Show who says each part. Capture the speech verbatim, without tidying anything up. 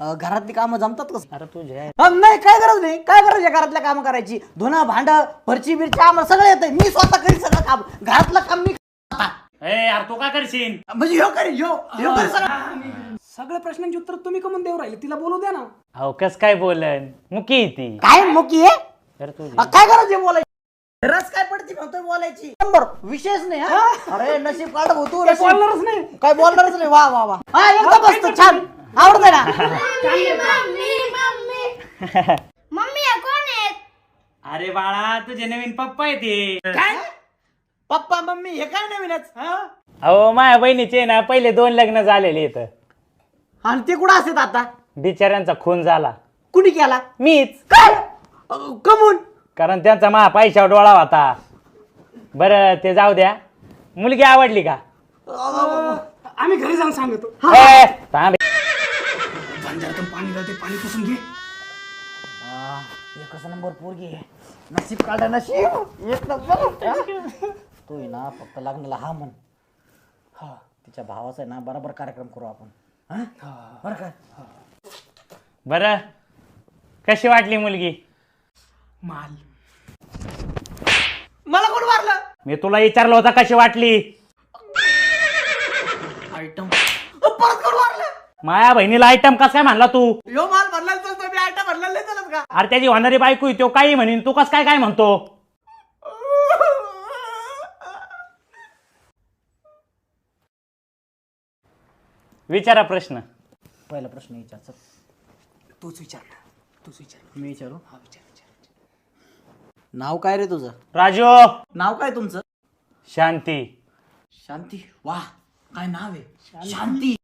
Speaker 1: घरातली कामं जमतात कसं?
Speaker 2: अरे तुझ्या
Speaker 1: नाही काय गरज नाही, काय गरज आहे घरातल्या कामं करायची? धुणं भांड फरची बिरची आम्हाला सगळं येतंय. मी स्वतः करी सगळं काम, घरातलं काम मी
Speaker 2: ए यार तू काय करशील?
Speaker 1: म्हणजे ह्यो करी ह्यो ह्यो करी सगळं.
Speaker 3: सगळ्या प्रश्नांची उत्तर तुम्ही कमून देऊ राहिले, तिला बोलू द्या ना.
Speaker 2: अहो कस काय बोलन, मुकी ती
Speaker 1: काय मोकी आहे?
Speaker 2: तर तुझी
Speaker 1: काय गरज आहे बोलायची? रस काय पडती म्हणतोय बोलायची? नंबर विशेष नाही हा. अरे नशीब काढ होतो,
Speaker 3: काय बोलणारच नाही.
Speaker 1: काय बोलणारच नाही. वा वा वा, हा एकदम मस्त छान, आवडतंय ना.
Speaker 4: मम्मी मम्मी मम्मी या कोण आहेत?
Speaker 2: अरे बाळा तुझे नवीन पप्पा आहे ते.
Speaker 1: काय पप्पा मम्मी हे काय नवीनच?
Speaker 2: अहो माझ्या बहिणीचे ना पहिले दोन लग्न झालेले इथं.
Speaker 1: आणि ते कुठं असतात आता?
Speaker 2: बिचाऱ्यांचा खून झाला.
Speaker 1: कुणी केला?
Speaker 2: मीच.
Speaker 1: काय कमून?
Speaker 2: कारण त्यांचा मा पैशावर डोळा होता. बरं ते जाऊ द्या, मुलगी आवडली का?
Speaker 3: आम्ही घरी जाऊन सांगतो.
Speaker 2: ए, थांब.
Speaker 3: बंजारातून पाणी जाते, पाणी पुसून घे.
Speaker 1: एकच नंबर पोरगी आहे. नशीब काढा नशीब, एक नंबर. तू आहे ना फक्त लग्नाला हा म्हण. हा तिच्या भावाचा आहे ना बरोबर कार्यक्रम करू आपण. बरं काय?
Speaker 2: बरं कशी वाटली मुलगी?
Speaker 3: माल
Speaker 1: मला कोण मारलं?
Speaker 2: मी तुला विचारलं होता कशी वाटली.
Speaker 1: आयटम परत कोण मारलं?
Speaker 2: माया बहिणीला आयटम कस काय म्हणला तू?
Speaker 1: यो माल भरला चालतो, मी आयटम भरला नाही चालत का?
Speaker 2: अरे त्याची होणारी बायको आहे, तो काही म्हणीन, तू कस काय काय म्हणतो? विचारा प्रश्न.
Speaker 1: पहिला प्रश्न विचार.
Speaker 3: तूच विचार ना, तूच विचार.
Speaker 1: मी विचारू.
Speaker 3: हा विचार विचार.
Speaker 1: नाव काय रे तुझं?
Speaker 2: राजू.
Speaker 1: नाव काय तुमचं?
Speaker 2: शांती.
Speaker 1: शांती. वाह काय नाव आहे, शांती.